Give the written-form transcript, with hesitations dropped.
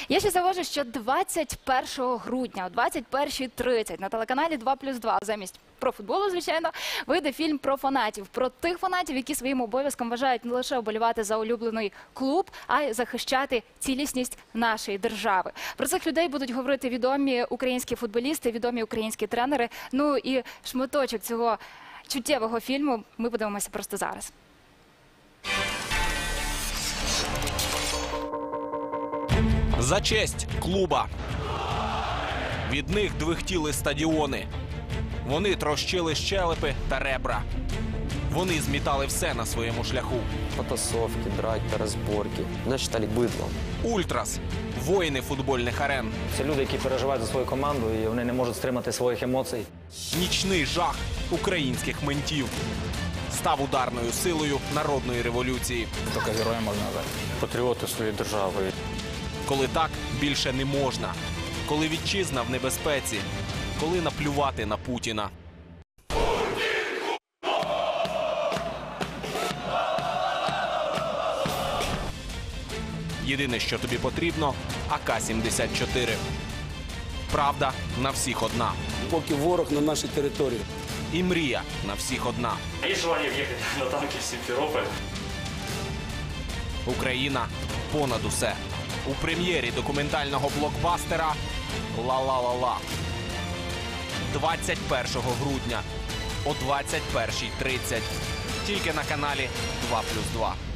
Я ще завожу, що 21 грудня о 21:30 на телеканалі 2+2 замість про футболу, звичайно, вийде фільм про фанатів. Про тих фанатів, які своїм обов'язком вважають не лише вболівати за улюблений клуб, а й захищати цілісність нашої держави. Про цих людей будуть говорити відомі українські футболісти, відомі українські тренери. Ну і шматочок цього чуттєвого фільму ми подивимося просто зараз. За честь клуба. Від них двихтіли стадіони. Вони трощили щелепи та ребра. Вони змітали все на своєму шляху. Потасовки, драки, розборки. Нас вважали бидлом. Ультрас – воїни футбольних арен. Це люди, які переживають за свою команду, і вони не можуть стримати своїх емоцій. Нічний жах українських ментів. Став ударною силою народної революції. Тільки герої можна назвати. Патріоти своєї держави. Коли так більше не можна. Коли вітчизна в небезпеці. Коли наплювати на Путіна. Єдине, що тобі потрібно – АК-74. Правда на всіх одна. Поки ворог на нашій території. І мрія на всіх одна. Є желання в'їхати на танки в Сімферополь. Україна понад усе. У прем'єрі документального блокбастера «Ла-ла-ла-ла». 21 грудня о 21:30. Тільки на каналі 2+2.